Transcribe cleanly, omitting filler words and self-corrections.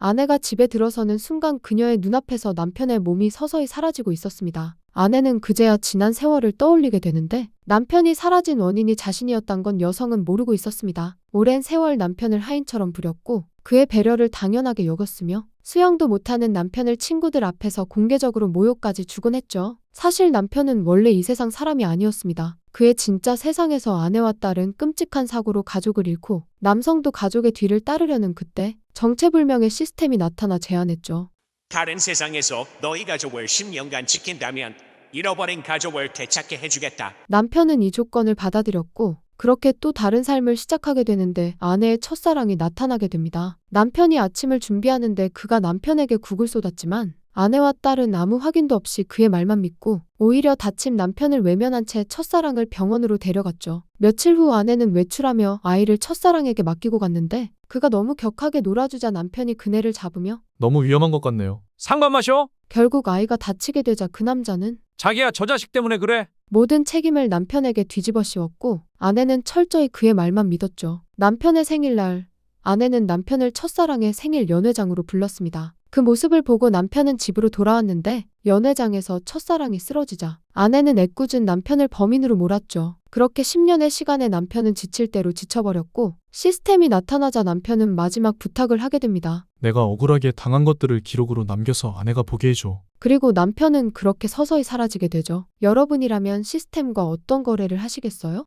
아내가 집에 들어서는 순간 그녀의 눈앞에서 남편의 몸이 서서히 사라지고 있었습니다. 아내는 그제야 지난 세월을 떠올리게 되는데 남편이 사라진 원인이 자신이었단 건 여성은 모르고 있었습니다. 오랜 세월 남편을 하인처럼 부렸고 그의 배려를 당연하게 여겼으며 수영도 못하는 남편을 친구들 앞에서 공개적으로 모욕까지 주곤 했죠. 사실 남편은 원래 이 세상 사람이 아니었습니다. 그의 진짜 세상에서 아내와 딸은 끔찍한 사고로 가족을 잃고 남성도 가족의 뒤를 따르려는 그때 정체불명의 시스템이 나타나 제안했죠. 다른 세상에서 너희 가족을 10년간 지킨다면 잃어버린 가족을 되찾게 해주겠다. 남편은 이 조건을 받아들였고 그렇게 또 다른 삶을 시작하게 되는데 아내의 첫사랑이 나타나게 됩니다. 남편이 아침을 준비하는데 그가 남편에게 국을 쏟았지만 아내와 딸은 아무 확인도 없이 그의 말만 믿고 오히려 다친 남편을 외면한 채 첫사랑을 병원으로 데려갔죠. 며칠 후 아내는 외출하며 아이를 첫사랑에게 맡기고 갔는데 그가 너무 격하게 놀아주자 남편이 그네를 잡으며 너무 위험한 것 같네요. 상관 마셔. 결국 아이가 다치게 되자 그 남자는 자기야 저 자식 때문에 그래. 모든 책임을 남편에게 뒤집어 씌웠고 아내는 철저히 그의 말만 믿었죠. 남편의 생일날 아내는 남편을 첫사랑의 생일 연회장으로 불렀습니다. 그 모습을 보고 남편은 집으로 돌아왔는데 연회장에서 첫사랑이 쓰러지자 아내는 애꿎은 남편을 범인으로 몰았죠. 그렇게 10년의 시간에 남편은 지칠 대로 지쳐버렸고 시스템이 나타나자 남편은 마지막 부탁을 하게 됩니다. 내가 억울하게 당한 것들을 기록으로 남겨서 아내가 보게 해줘. 그리고 남편은 그렇게 서서히 사라지게 되죠. 여러분이라면 시스템과 어떤 거래를 하시겠어요?